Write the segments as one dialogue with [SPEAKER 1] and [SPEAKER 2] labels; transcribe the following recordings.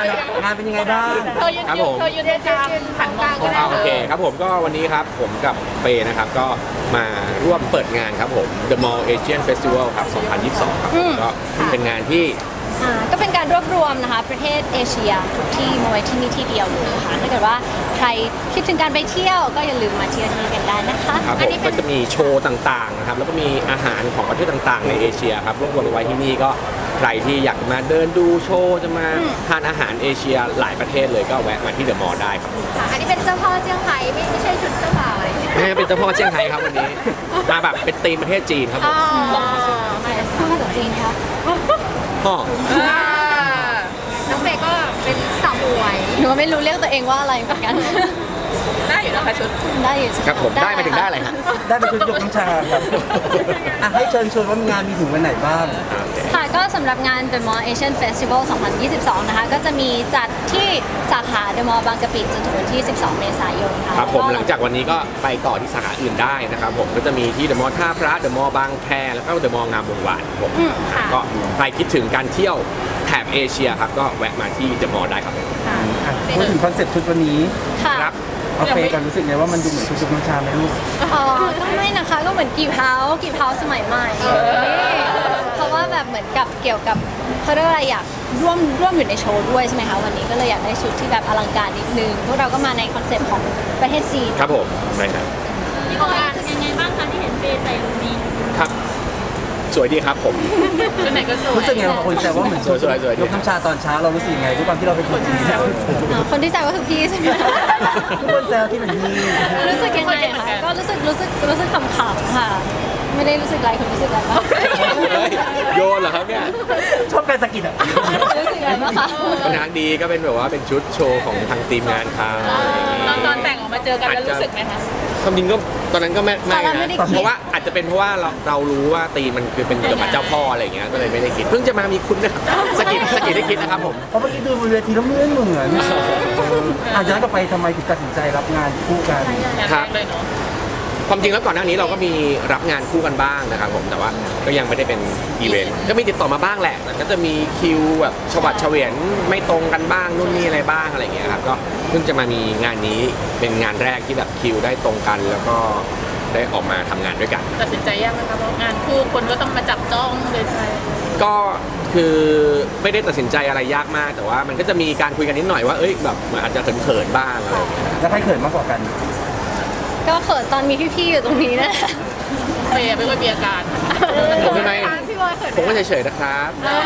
[SPEAKER 1] งานเป็นยังไงบ้าง
[SPEAKER 2] เธอยืนตรงกลางหันมอง
[SPEAKER 3] โอเคครับผมก็วันนี้ครับผมกับเฟย์นะครับก็มาร่วมเปิดงานครับผม The Mall Asian Festival ครับ 2022 ครับก็เป็นงานที่
[SPEAKER 4] ก็เป็นการรวบรวมนะคะประเทศเอเชียทุกที่มาไว้ที่นี่ที่เดียวเลยค่ะถ้าเกิดว่าใครคิดถึงการไปเที่ยวก็อย่าลืมมาเที่ยวที่นี่กันได้นะคะ
[SPEAKER 3] ครับผมก็จะมีโชว์ต่างๆนะครับแล้วก็มีอาหารของประเทศต่างๆในเอเชียครับรวบรวมไว้ที่นี่ก็ใครที่อยากมาเดินดูโชว์จะมาทานอาหารเอเชียหลายประเทศเลยก็แวะมาที่เดอะมอลล์ได้ครับ
[SPEAKER 2] อันนี้เป็นเจ้าพ่อเจียงไฮ้ไม่ใช่ชุดเจ้าบ่าวอะไรอย่างเงี้ย
[SPEAKER 3] ไม่เป็นเจ้าพ่อเซี่ยงไฮ้ครับวันนี้มาแบบเป็นธีมประเทศจีนครับผม
[SPEAKER 4] มาจากจีนค่ะ
[SPEAKER 3] พ่อ
[SPEAKER 2] น้องเฟย์ก็เป็นสาวมวย
[SPEAKER 4] หนูไม่รู้เรียกตัวเองว่าอะไรเหมือนกัน
[SPEAKER 2] ได้อยู่นะคะชุด
[SPEAKER 4] ได้อยู่
[SPEAKER 3] ครับผมได้มาถึงได้อะไรฮะ
[SPEAKER 1] ได้เป็นชุดยกน้ำชาครับให้เชิญชวนว่างานมีถึงวันไหนบ้าง
[SPEAKER 4] ค่ะก็สำหรับงาน The Mall Asian Festival 2022 นะคะก็จะมีจัดที่สาขา The Mall บางกะปิจนถึงวันที่ 12 เมษายนค่ะ
[SPEAKER 3] ครับผมหลังจากวันนี้ก็ไปต่อที่สาขาอื่นได้นะครับผมก็จะมีที่ The Mall ท่าพระ The Mall บางแคแล้วก็ The Mall งามวงวานผมก็ใครคิดถึงการเที่ยวแถบเอเชียครับก็แวะมาที่ The Mall ได้ครับ
[SPEAKER 1] พูดถึงคอนเซ็ปต์ชุดวันนี้
[SPEAKER 3] ครับ
[SPEAKER 1] เอาเฟย์กันรู้สึกไงว่ามันดูเหมือนชุดยกน้ำชาไหมลูก
[SPEAKER 4] ก็ไม่นะคะก็เหมือนกีบเฮาสมัยใหม่เพราะว่าแบบเหมือนกับเกี่ยวกับเขาเรียกอะไรอยากร่วมอยู่ในโชว์ด้วยใช่ไหมคะวันนี้ก็เลยอยากได้ชุดที่แบบอลังการนิดนึงพวกเราก็มาในคอนเซ็ปต์ของประเทศจีน
[SPEAKER 3] ครับผมใช่ครับ
[SPEAKER 4] พี่บอยรู้สึกยังไงบ้างคะที่เห็นเฟย์ใส่ลุคนี้
[SPEAKER 3] ครับสวยดีครับผม
[SPEAKER 2] ชุดไหนก็สวย
[SPEAKER 1] รู้สึกไงบางคนแซวว่าเหมือนชุดยกน้ำชาตอนเช้าเรารู้สึกไงด้วยความที่เราเป็นคนที่แซว
[SPEAKER 4] คนที่แซวก็คือพี่ใช่ไหม
[SPEAKER 1] ทุกคนแซวที่เหมือนพี่
[SPEAKER 4] รู้สึกยังไงคะก็รู้สึกขำๆค่ะไม่ได้รู้สึกอะไรคุณรู้สึกอะไรบ้าง
[SPEAKER 3] โยนเหรอครับเนี่ย
[SPEAKER 1] ชอบการสะกิดอ่ะ
[SPEAKER 4] รู้สึกอะไรบ้างคะ
[SPEAKER 3] เป็นทางดีก็เป็นแบบว่าเป็นชุดโชว์ของทางทีมงานเขา
[SPEAKER 2] ตอนแต่งออกมาเจอกันแล้วรู้สึกไหมคะ
[SPEAKER 3] ความจริงก็ตอนนั้นก็ไม่นะเพราะว่าอาจจะเป็นเพราะว่าเรารู้ว่าตีมันคือเป็นเกี่ยวกับเจ้าพ่ออะไรอย่างเงี้ยก็เลยไม่ได้คิดเพิ่งจะมามีคุณนะสกิดได้คิดนะครับผม
[SPEAKER 1] เพราะเมื่อกี้ดูบนเวทีแล้วเหมือนย้อนกลับไปทำไมถึงตัดสินใจรับงานคู่กัน
[SPEAKER 3] ครับความจริงแล้วก่อนหน้านี้เราก็มีรับงานคู่กันบ้างนะครับผมแต่ว่าก็ยังไม่ได้เป็นอีเวนต์ก็มีติดต่อมาบ้างแหละแต่ก็จะมีคิวแบบฉบับเฉวียนไม่ตรงกันบ้างนู่นนี่อะไรบ้างอะไรอย่างเงี้ยครับก็เพิ่งจะมามีงานนี้เป็นงานแรกที่แบบคิวได้ตรงกันแล้วก็ได้ออกมาทำงานด้วยกัน
[SPEAKER 2] ตัดสินใจยากไหมครับเพราะงานคู่คนก็ต้องมาจับจ้องเลยใช่
[SPEAKER 3] ก็คือไม่ได้ตัดสินใจอะไรยากมากแต่ว่ามันก็จะมีการคุยกันนิดหน่อยว่าเอ้ยแบบอาจจะเขินๆบ้างอะไรอย่างเงี้ย
[SPEAKER 1] แล้วใครเขินมากกว่ากัน
[SPEAKER 4] ก็เขินตอนมีพี่ๆอยู่ตรงนี้นะ
[SPEAKER 2] ไม่ค่อยมีอาการ
[SPEAKER 3] ผมทำไมผมก็เฉยๆนะครับ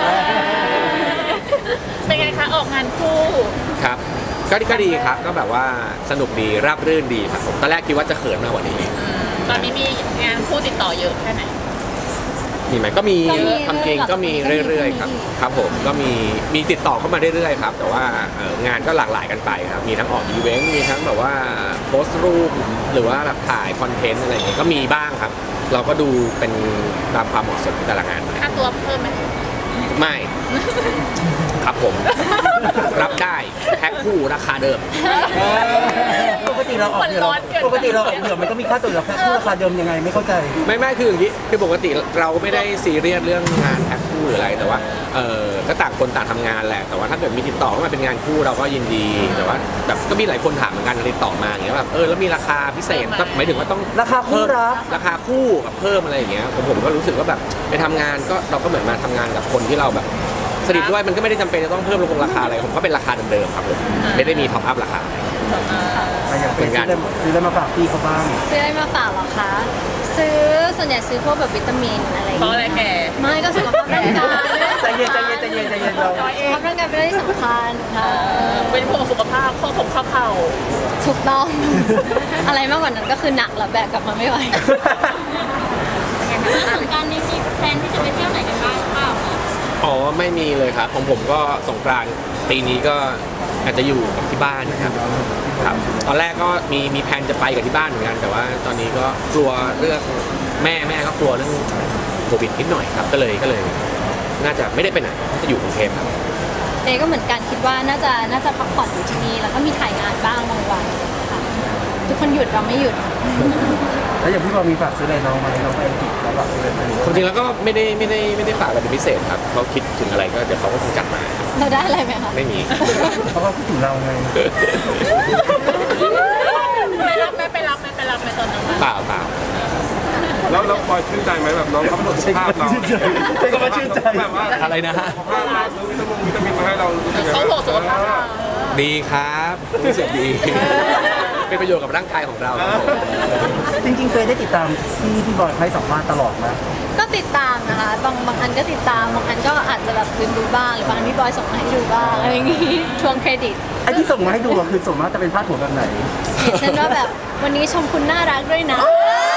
[SPEAKER 2] เป็นไงคะออกงานคู่
[SPEAKER 3] ครับก็ดีครับก็แบบว่าสนุกดีราบรื่นดีครับผมตอนแรกคิดว่าจะเขินมากกว่านี้
[SPEAKER 2] ตอนนี้มีงานคู่ติดต่อเยอะแค่ไหน
[SPEAKER 3] มีไหมก็มีความจริงก็มีเรื่อยๆครับผมก็มีติดต่อเข้ามาเรื่อยๆครับแต่ว่างานก็หลากหลายกันไปครับมีทั้งออกอีเวนต์มีทั้งแบบว่าโพสต์รูปหรือว่าแบบถ่ายคอนเทนต์อะไรอย่างเงี้ยก็มีบ้างครับเราก็ดูเป็นตามความเหมาะสมแต่ละงาน
[SPEAKER 2] ค่าตัวเพิ่มไหม
[SPEAKER 3] ไม่ครับผมรับได้แพ็คคู่ราคาเดิม
[SPEAKER 1] ปกติเราออกเดือนมันก็มีค่าตัวแพ็คคู่ราคาเดิมยังไงไม่เข้าใจ
[SPEAKER 3] ไม่คืออย่างนี้คือปกติเราไม่ได้ซีเรียสเรื่องงานแพ็คคู่หรืออะไรแต่ว่าก็ต่างคนต่างทำงานแหละแต่ว่าถ้าเกิดมีติดต่อเข้ามาเป็นงานคู่เราก็ยินดีแต่ว่าแบบก็มีหลายคนถามเหมือนกันติดต่อมาอย่างเงี้ยแบบแล้วมีราคาพิเศษหมายถึงว่าต้อง
[SPEAKER 1] ราคาคู่
[SPEAKER 3] ราคาคู่กับเพิ่มอะไรอย่างเงี้ยผมก็รู้สึกว่าแบบไปทำงานก็เราก็เหมือนมาทำงานกับคนที่เราแบบสนิทด้วยมันก็ไม่ได้จำเป็นจะต้องเพิ่มลงราคาอะไรผมก็เป็นราคาเดิมๆครับผมไม่ได้มีท็อปอัพราคา
[SPEAKER 1] เป็นการซื้ออะไรมาฝากพี่เขาบ้าง
[SPEAKER 4] ซื้ออะไรมาฝากหรอคะส่วนใหญ่ซื้อพวกแบบวิตามินอะไร
[SPEAKER 2] เพราะอะไรแก
[SPEAKER 4] ไม่ก็สุขภาพร่างกาย
[SPEAKER 1] ใจเย็นเรา
[SPEAKER 4] สุขภาพร่างกายเป็นเรื่องสำคัญค่ะ
[SPEAKER 2] เป็นพวกสุขภาพข้อผมข้อเข่า
[SPEAKER 4] ถูกต้องอะไรมากกว่านั้นก็คือหนักแล้วแบกกลับมาไม่ไหวสงกรานต์นี้มีแพลนที่จะไปเที่ยวไหนกันบ้างเปล่า
[SPEAKER 3] อ๋อไม่มีเลยครับของผมก็สงกรานต์ปีนี้ก็อาจจะอยู่กับที่บ้านนะครับตอนแรกก็มีแผนจะไปกับที่บ้านเหมือนกันแต่ว่าตอนนี้ก็กลัวเรื่องแม่ก็กลัวเรื่องโควิดนิดหน่อยครับก็เลยน่าจะไม่ได้ไปไหนจะอยู่กรุงเทพครับ
[SPEAKER 4] ก็เหมือนกันคิดว่าน่าจะพักผ่อนอยู่ที่นี่แล้วก็มีถ่ายงานบ้างบางวันค่ะทุกคนหยุดเราไม่หยุด
[SPEAKER 1] แล้วอย่างพี่บอลมีฝากซื้ออะไรน้องไหมน้องไปอังกฤษแล้วฝากซื้ออะไรไหม
[SPEAKER 3] ความจริงแล้วก็ไม่ได้ฝากอะไรเป็นพิเศษครับเขาคิดถึงอะไรก็เดี๋ยวเขาก็คงจัดมา
[SPEAKER 4] เราได้อะไรไหมคะ
[SPEAKER 3] ไม่มี
[SPEAKER 1] เพราะว่าพูดถึงเราไง
[SPEAKER 2] ไปรับไหมไปรับไหมไปรับไหมตอนนั้น
[SPEAKER 3] เปล่า
[SPEAKER 5] แล้วพลอยชื่นใจไหมแบบน้องเขาหมดภาพเรา
[SPEAKER 1] ใช่ก็มาชื่นใจ
[SPEAKER 5] แบบว่า
[SPEAKER 3] อะไรนะฮะ
[SPEAKER 5] ภาพเราซื้อวิตามินมาให้เรารู้สึกไง
[SPEAKER 2] เขาห่วงสุขภาพเรา
[SPEAKER 3] ดีครับรู้สึกดี เป็นประโยชน์กับร่างกายของเราครับผม
[SPEAKER 1] จริงๆเคยได้ติดตามที่พี่บอยให้สัมภาษณ์ตลอดนะ
[SPEAKER 4] ก็ติดตามนะคะบางอันก็ติดตามบางอันก็อาจจะแบบลืมดูบ้างหรือบางอันพี่บอยส่งมาให้ดูบ้างอะไรอย่างงี้ทวงเครดิต
[SPEAKER 1] ไอ้ที่ส่งมาให้ดูอะคือส่งมาจะเป็นพาดหัวแบบไหน
[SPEAKER 4] อย่างเช่นว่าแบบวันนี้ชมคุณน่ารักด้วยนะ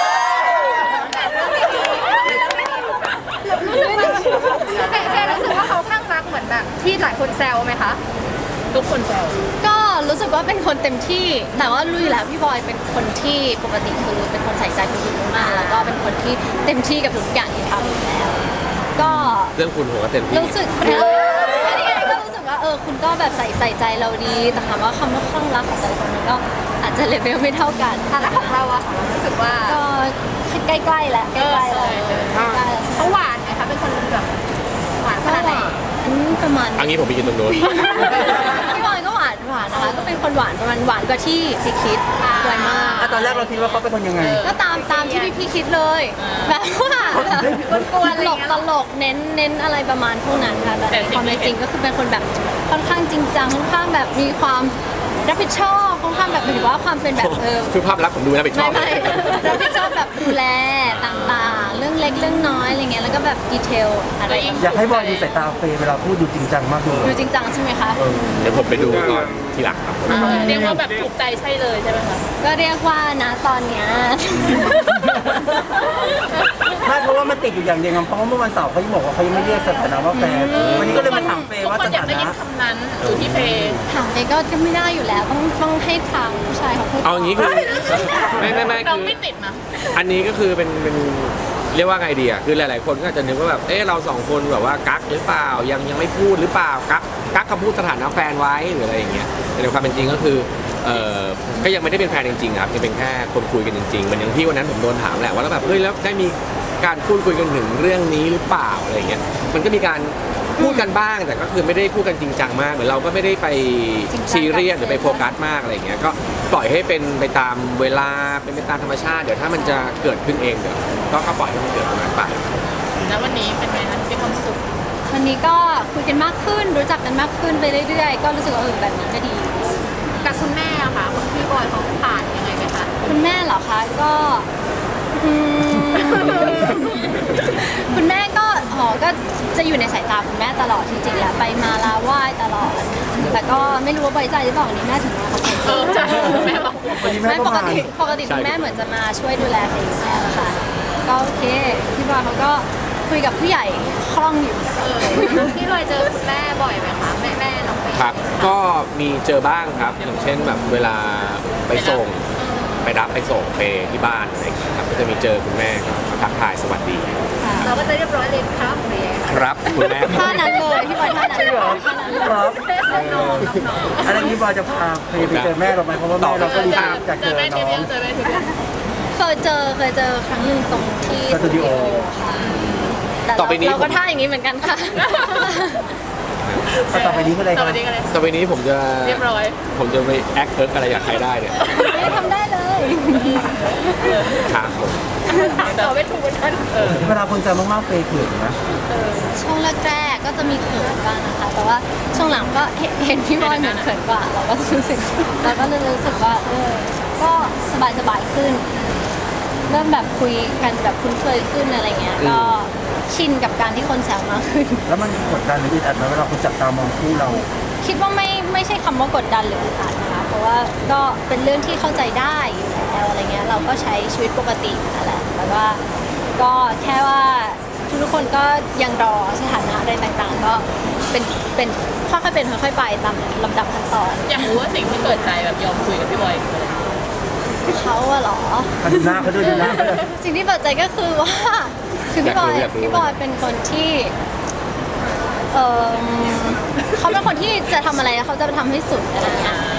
[SPEAKER 2] แต่รู้สึกว่าเขาข้างรักเหมือนแบบที่หลายคนแซวไหมคะทุกคนแซว
[SPEAKER 4] ก็รู้สึกว่าเป็นคนเต็มที่ แต่ว่ารู้อยู่แล้วพี่บอยเป็นคนที่ปกติคือเป็นคนใส่ใจคนอื่นมากแล้วก็เป็นคนที่เต็มที่กับทุกอย่างที่ทำอยู่แล้ว ก็
[SPEAKER 3] เรื่องคุณผมก็เต็มที่
[SPEAKER 4] รู้สึกนี่ไงก็รู้สึกว่าคุณก็แบบใส่ใจเราดี แต่ถามว่าคำว่าคลั่งรักของแต่ละคนมันก็อาจจะเลเวลไม่เท่ากัน
[SPEAKER 2] แล้วของเราอะรู้สึกว่า
[SPEAKER 4] ก็ใกล้ๆแล้วใกล้ๆแล้วใกล้ๆแล้ว
[SPEAKER 2] เขาหวานไหมคะเป็นคนแบบหวานข
[SPEAKER 4] ก็
[SPEAKER 2] นาด
[SPEAKER 4] ห
[SPEAKER 2] ไหน
[SPEAKER 4] วานประมาณ
[SPEAKER 3] อันนี้ผมไปยืนตรงนู้น
[SPEAKER 4] พี่บอยก็หวานนะคะ ก็เป็นคนหวานประมาณหวานกว่าที่พี่คิดสวยมาก
[SPEAKER 1] ตอนแรกเราคิดว่าเขาเป็นคนยังไง
[SPEAKER 4] ก็ตามที่พี่คิดเลยแบบว่าตลกเน้นอะไรประมาณพวกนั้นค่ะแต่ในความเป็นจริงก็คือเป็นคนแบบค่อนข้างจริงจังค่อนข้างแบบมีความรับผิดชอบค่อนข้างแบบหมายถึงว่าความเป็นแบบ
[SPEAKER 3] คือภาพลักษณ์ผมดูแล้วไปชอบ
[SPEAKER 4] ไม่รับผิดชอบแบบดูแลต่างๆ เรื่องเล็กเรื่องน้อยอะไรเงี้ยแล้วก็แบบดีเทลอะไร
[SPEAKER 1] อยากให้บอยดูสายตาเฟย์เวลาพูดดูจริงจังมากเลย
[SPEAKER 4] ดูจริงจังใช่ไหมคะ
[SPEAKER 3] เดี๋ยวผมไปดูตอนทีหลังครับ
[SPEAKER 2] เรียกว่าแบบถูกใจใช่เลยใช่ไหมคะ
[SPEAKER 4] ก็เรียกว่านะตอนเนี้ย
[SPEAKER 1] ไม่เพราะว่ามันติดอยู่อย่างเดียวครับเพราะว่าเมื่อวันเสาร์เขายังบอกว่าเขายังไม่เรียกสถานะว่าแฟนวันนี้ก็เลยมาถามเฟย์ว่า
[SPEAKER 2] ทุกคน
[SPEAKER 1] ส
[SPEAKER 2] อยาก
[SPEAKER 1] ถา
[SPEAKER 2] ได้ยิ
[SPEAKER 1] นะ
[SPEAKER 2] นคำนั้นอยู่ที่เพย์
[SPEAKER 4] ถามไปก็ไม่ได้อยู่แล้วต้องให้ทางผู้ชายเขาพูด
[SPEAKER 3] เอาอย่างนี้คือไม่
[SPEAKER 2] น้อง
[SPEAKER 3] คือ
[SPEAKER 2] ไม่ติดนะ
[SPEAKER 3] อันนี้ก็คือเป็นเรียกว่าไงดีอ่ะคือหลายๆคนก็อาจจะนึกว่าแบบเราสองคนแบบว่ากักหรือเปล่ายังไม่พูดหรือเปล่ากักคำพูดสถานะแฟนไว้หรืออะไรอย่างเงี้ยแต่ในความเป็นจริงก็คือก็ยังไม่ได้เป็นแฟนจริงๆครับยังเป็นแค่คนคุยกันจริงๆเหมือนอย่างที่วันนั้นผมโดนถามแหละว่าแล้วแบบแล้วได้มีการพูดคุยกันถึงเรื่องนี้หรือเปล่าอะไรอย่างเงี้ยมันก็มีการพูดกันบ้างแต่ก็คือไม่ได้พูดกันจริงจังมากเหมือนเราก็ไม่ได้ไปซีเรียสหรือไปโฟกัสมากอะไรอย่างเงี้ยก็ปล่อยให้เป็นไปตามเวลาเป็นไปตามธรรมชาติเดี๋ยวถ้ามันจะเกิดขึ้นเองเดี๋ยวก็ปล่อยให้มันเกิดตรงนั้นไป
[SPEAKER 2] แล้ววันนี้เป็นไงคะมีความสุข
[SPEAKER 4] วันนี้ก็คุยกันมากขึ้นรู้จักกันมากขึ้นไปเรื่อยๆก็รู้สึกว่าแบบนี้ก็ดี
[SPEAKER 2] กับคุณแม่อะค่ะคุณพี่บอยเขาผ่านยังไงไหมคะ
[SPEAKER 4] คุณแม่เหรอคะก็อืม คุณแม่ก็ก็จะอยู่ในสายตาคุณแม่ตลอดจริงๆแล้วไปมาลาไหว้ตลอด แต่ก็ไม่รู้ว่าไว้ใจหรือเปล่าวันนี้แม่ถึงมาเขา
[SPEAKER 2] ใช่แม่บอก
[SPEAKER 1] วันนี้แม่
[SPEAKER 4] ไม่
[SPEAKER 1] ก็
[SPEAKER 4] ปก
[SPEAKER 1] มา
[SPEAKER 4] ติคุณแม่เหมือนจะมาช่วยดูแลเฟย์แล้วค่ะ ก็โอเคพี่บอยเขาก็คุยกับผู้ใหญ่คล่องอยู่
[SPEAKER 2] พี่บอยเจอคุณแม่บ่อยไหมคะแม่น้องเฟย์
[SPEAKER 3] ครับก็มีเจอบ้างครับอย่างเช่นแบบเวลาไปส่งไปรับไปส่งไปที่บ้านอะไรอย่างเงี้ยครับก็จะมีเจอคุณแม่ก็ทักทายสวัสดี
[SPEAKER 4] ค่ะ
[SPEAKER 2] เราก็จะเรียบร้อยเลยครับหรือยังไง
[SPEAKER 3] ครับคุณแม่
[SPEAKER 4] ท่านั้นเลยพี่บอยท่านั้น
[SPEAKER 1] ใช่เหรอ
[SPEAKER 4] ท่านั้นเลย
[SPEAKER 1] ครับ
[SPEAKER 2] น้องๆ
[SPEAKER 1] อันนี้บอยจะพาเฟย์ไปเจอแม่เราไหมเพราะว่าแม่เราก็ดีใจอยาก
[SPEAKER 2] เจ
[SPEAKER 1] เจ
[SPEAKER 2] อ
[SPEAKER 1] อ
[SPEAKER 2] แม่ที
[SPEAKER 1] น้อ
[SPEAKER 2] เดีย
[SPEAKER 1] ง
[SPEAKER 2] วเจอแม่ทีเดียว
[SPEAKER 4] เคยเจอครั้งหนึ่งตรงที่
[SPEAKER 1] สตูดิโอ
[SPEAKER 4] ค่ะแต่
[SPEAKER 3] ต่อไปนี้
[SPEAKER 4] เราก็ท่าอย่างนี้เหมือนกันค่ะ
[SPEAKER 1] ต่อไปนี้คืออะไร
[SPEAKER 2] ต่
[SPEAKER 1] ค
[SPEAKER 2] อ
[SPEAKER 1] รับ
[SPEAKER 2] ไปนี้กันเลย
[SPEAKER 3] ต่อไปนี้ผมจะ
[SPEAKER 2] เรียบร้อย
[SPEAKER 3] ไปแอคเคิร์กอะไรกับใครได้เนี่ย
[SPEAKER 4] ไม่ทำได้เลย
[SPEAKER 3] ครับผม
[SPEAKER 2] ต่อไม่ถูกเหมือนกัน
[SPEAKER 1] เวลาคนแซวมากๆเฟย์เขินนะ
[SPEAKER 4] ช่วงแรกๆก็จะมีเขินบ้างนะคะ แต่ว่าช่วงหลังก็เห็นพี่บอยเหมือนเขินกว่า เราก็รู้สึกว่าก็สบายขึ้น เริ่มแบบคุยกันแบบคุ้นเคยขึ้นอะไรเงี้ย ก็ชินกับการที่คนแซวมากขึ้น
[SPEAKER 1] แล้วมันกดดันหรืออึดอัดไหมเวลาคนจับตามองคู่เรา
[SPEAKER 4] คิดว่าไม่ใช่คำว่ากดดันหรืออึดอัดนะคะ เพราะว่าก็เป็นเรื่องที่เข้าใจได้อยู่แล้วอะไรเงี้ย เราก็ใช้ชีวิตปกตินั่นแหละแต่ว่าก็แค่ว่าทุกคนก็ยังรอสถานะอะไรต่างๆ ก็เป็นค่อยๆเป็นค่อยๆไปตามลำดับขั้นตอน
[SPEAKER 2] อยากรู้ว่าสิ่งที่เปิดใจแบบยอมคุยกับพี่บอยคืออะไร
[SPEAKER 4] เขาอะเหรอ
[SPEAKER 1] เขาดูหน้าเขาด้วยดูหน้าเขาด้วย
[SPEAKER 4] สิ่งที่เปิดใจก็คือว่า คือพี่บอยเป็นคนที่เขาเป็นคนที่จะทำอะไรเขาจะทำให้สุดอะไรเงี้ย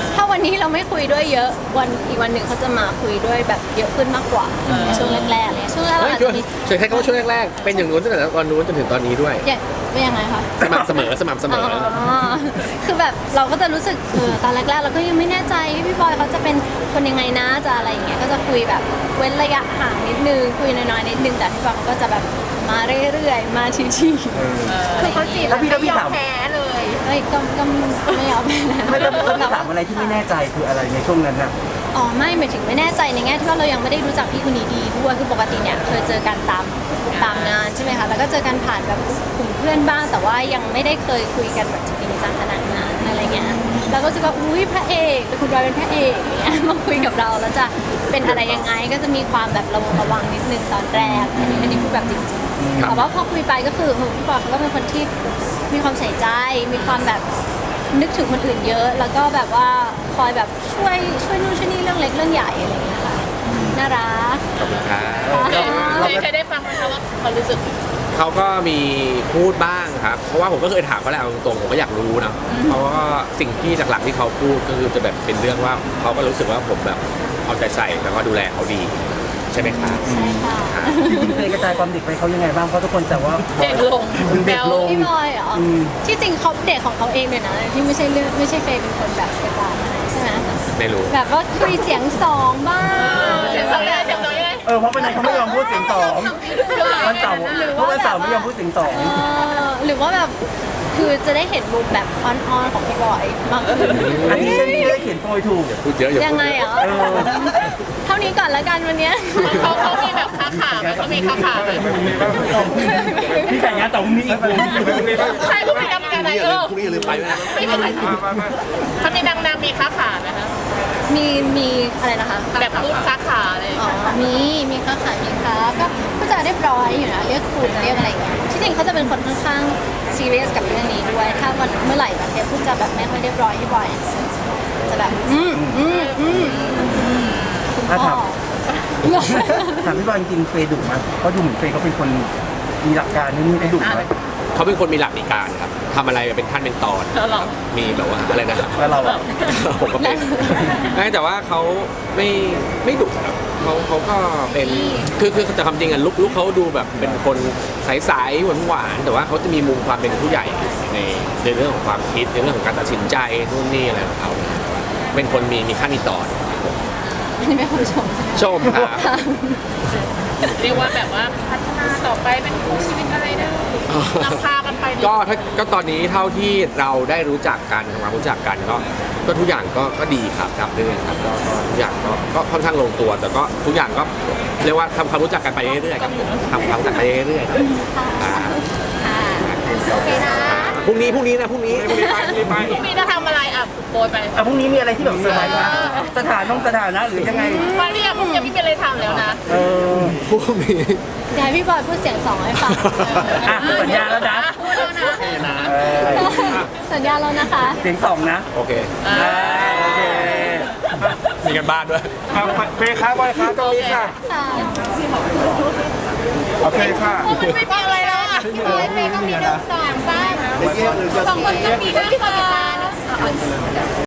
[SPEAKER 4] ถ้าวันนี้เราไม่คุยด้วยเยอะอีกวันหนึ่งเขาจะมาคุยด้วยแบบเยอะขึ้นมากกว่าในช่วงแรกๆเลยช่วงแรกๆ
[SPEAKER 3] เฮ้ย
[SPEAKER 4] อาจ
[SPEAKER 3] ช่ว
[SPEAKER 4] จะ
[SPEAKER 3] ย
[SPEAKER 4] มี
[SPEAKER 3] ช่วยให้เขาช่วงแรกๆเป็นอย่างนู้นตั้งแต่ตอนนู้นจนถึงตอนนี้ด้วย
[SPEAKER 4] เป็นยังไงคะ
[SPEAKER 3] สม่ำเสมอสม่ำเสมอ
[SPEAKER 4] คือแบบเราก็จะรู้สึกตอนแรกๆเราก็ยังไม่แน่ใจพี่บอยเขาจะเป็นคนยังไงนะจะอะไรอย่างเงี้ยก็จะคุยแบบเว้นระยะห่างนิดนึงคุยน้อยๆนิดนึงแต่พี่บอยเขาก็จะแบบมาเรื่อยๆมาทีๆ
[SPEAKER 2] คือเขาจีบแล้วไม่ยอมแพ้เลย
[SPEAKER 4] เฮ้ยก็ไม่เอาไปนะ
[SPEAKER 1] ไม่ต้องถามอะไรที่ไม่แน่ใจคืออะไรในช่วงนั้นน่ะ
[SPEAKER 4] อ๋อไม่หมายถึงไม่แน่ใจในแง่ที่ว่าเรายังไม่ได้รู้จักพี่คนนี้ดีด้วยคือปกติเนี่ยเคยเจอกันตามงานใช่ไหมคะแล้วก็เจอกันผ่านแบบกลุ่มเพื่อนบ้างแต่ว่ายังไม่ได้เคยคุยกันแบบจริงจังขนาดนั้นอะไรเงี้ยแล้วก็รู้สึกว่าอุ้ยพระเอกคุณบอยเป็นพระเอกอย่างเงี้ยมาคุยกับเราแล้วจะเป็นอะไรยังไงก็จะมีความแบบระวังนิดนึงตอนแรกอันนี้พูดแบบจริงๆแต่ว่าพอคุยไปก็คือพี่บอยเขาก็เป็นคนที่มีความใส่ใจมีความแบบนึกถึงคนอื่นเยอะ แล้วก็แบบว่าคอยแบบช่วยนู่นช่วยนี่เรื่องเล็กเรื่องใหญ่อะไรอย่างเงี้ยค่ะน่ารัก
[SPEAKER 3] ขอบคุณครับ
[SPEAKER 2] เคยได้ฟังไหมคะว่าเขารู้สึก
[SPEAKER 3] เขาก็มีพูดบ้างครับ เพราะว่าผมก็เคยถามเขาแหละเอาตรงๆผมก็อยากรู้นะเพราะว่าสิ่งที่หลักๆที่เขาพูดก็คือจะแบบเป็นเรื่องว่าเขาก็รู้สึกว่าผมแบบเอาใจใส่แล้วก็ดูแลเขาดีใช่ไหมครับ
[SPEAKER 4] ใช่ค่ะ
[SPEAKER 1] จริงๆเคยกระจายความเด็กไปเขายังไงบ้างเพราะทุกคนแซวว่า
[SPEAKER 2] เด็กลง
[SPEAKER 1] มึงเด็กลง
[SPEAKER 4] พี่บอยเหรอ
[SPEAKER 1] อืม
[SPEAKER 4] ที่จริงเขาเด็กของเขาเองเลยนะที่ไม่ใช่เรื่องไม่ใช่เฟย์เป็นคนแบบกระจายให้ใช่ไหม
[SPEAKER 3] ไม่รู้
[SPEAKER 4] แบบว่าคุยเสียงสองบ้าง
[SPEAKER 2] เสียงสองยังไงเสียงสองยังไง
[SPEAKER 1] เพราะวันนั้นเขาไม่ยอมพูดเสียงสองวันเสาร์เพราะวันเสาร์ไม่ยอมพูดเสียงสอง
[SPEAKER 4] หรือว่าแบบคือจะได้เห็นมุมแบบอ่อนๆของพี่บอยมากขึ้น
[SPEAKER 1] อันนี้ฉันไม่ได้เขียนโปรยถูก
[SPEAKER 3] พูดเยอะอย่า
[SPEAKER 4] ยัง
[SPEAKER 3] พูด
[SPEAKER 4] ไง
[SPEAKER 3] เย
[SPEAKER 4] เหร
[SPEAKER 3] อะ
[SPEAKER 4] อเท่านี้ก่อนละกันวันเนี้ย
[SPEAKER 2] เขามีแบบค้าขาไหมเขามีค้าขาไหม
[SPEAKER 1] พี่แต่งงานแต่พรุ่งนี้อีกคน
[SPEAKER 2] ใครพูดไปดังๆไหน
[SPEAKER 3] พรุ่งนี้อย่าลืมไปนะ
[SPEAKER 2] ไม่เป็นไรเขามีดังๆมีค้าขาไหมคะ
[SPEAKER 4] มีอะไรนะคะ
[SPEAKER 2] แบบพูดค้าขาอะไร
[SPEAKER 4] อ๋อมีค้าขายมีค้าก็จะเรียบร้อยอยู่นะเรียกคุณเรียกอะไรอย่างเงี้ยที่จริงเขาจะเป็นคนค่อนข้างซีเรียสกับเรื่องนี้ด้วยถ้าวันเมื่อไหร่แบบเนี้ยพูดจะแบบไม่ค่อยเรียบร้อยที่บ่อยจะแบบคุณพ่อ
[SPEAKER 1] ถามพี่บอลจริงๆเฟย์ดุไหมเพราะดูเหมือนเฟย์เขาเป็นคนมีหลักการนี่ได้ดุไหม
[SPEAKER 3] เขาเป็นคนมีหลักในการครับทำอะไรเป็นขั้นเป็นตอน
[SPEAKER 2] แล้วเรา
[SPEAKER 3] มีแบบว่าอะไรนะครับ
[SPEAKER 1] แล้วเราอะ
[SPEAKER 3] ผมก็เป็นไม่แต่ว่าเขาไม่ดุครับเขาก็เป็นคือแต่ความจริงอะลุกเขาดูแบบเป็นคนใสๆหวานๆแต่ว่าเขาจะมีมุมความเป็นผู้ใหญ่ในเรื่องของความคิดในเรื่องของการตัดสินใจนู่นนี่อะไรของเขาเป็นคนมีขั้นมีตอน
[SPEAKER 4] อันนี้ไม่คนชม
[SPEAKER 3] ชมครับ
[SPEAKER 2] เรียกว่าแบบว่าพัฒนาต่อไปเป็นคู่ชีวิตอะไรได้นำพากันไป
[SPEAKER 3] ก็ตอนนี้เท่าที่เราได้รู้จักกันทำความรู้จักกันก็ทุกอย่างก็ดีครับรับเรื่อยครับก็ทุกอย่างก็ค่อนข้างลงตัวแต่ก็ทุกอย่างก็เรียกว่าทำความรู้จักกันไปเรื่อยๆครับผมทำความรู้จักไปเรื่อยๆครับอ่า
[SPEAKER 2] โอเคนะ
[SPEAKER 3] พรุ่งนี้นะพรุ่งนี้
[SPEAKER 5] พรุ่งนี้ไป
[SPEAKER 2] พรุ่งนี้จะทำอะไรอ่ะโปรยไป
[SPEAKER 1] พรุ่งนี้มีอะไรที่แบบเซอร์ไพรส์ไหมสถานะหรือยังไง
[SPEAKER 2] วันนี้พรุ่งนี้ไม่มีอะไรทำแล้วนะ
[SPEAKER 3] พรุ่งนี้
[SPEAKER 4] เดี๋ยวให้พี่บอยพูดเสียงสองให้ฟัง
[SPEAKER 1] สัญญาแล้วนะ
[SPEAKER 2] พูดแล้วนะ
[SPEAKER 4] สัญญาแล้วนะคะ
[SPEAKER 1] เสียงสองนะ
[SPEAKER 3] โอเค
[SPEAKER 1] โอเค
[SPEAKER 3] มีกันบ้านด้วย
[SPEAKER 5] เฟย์ค้าบอยค้าตรงนี้ค่ะ
[SPEAKER 4] ค่ะ
[SPEAKER 5] โอเคค่ะ
[SPEAKER 2] มันไม่มีอะไรแล้วอ่ะพี่บอยเฟย์ก็มี1 2 3 2คนก็มีด้วยค่ะ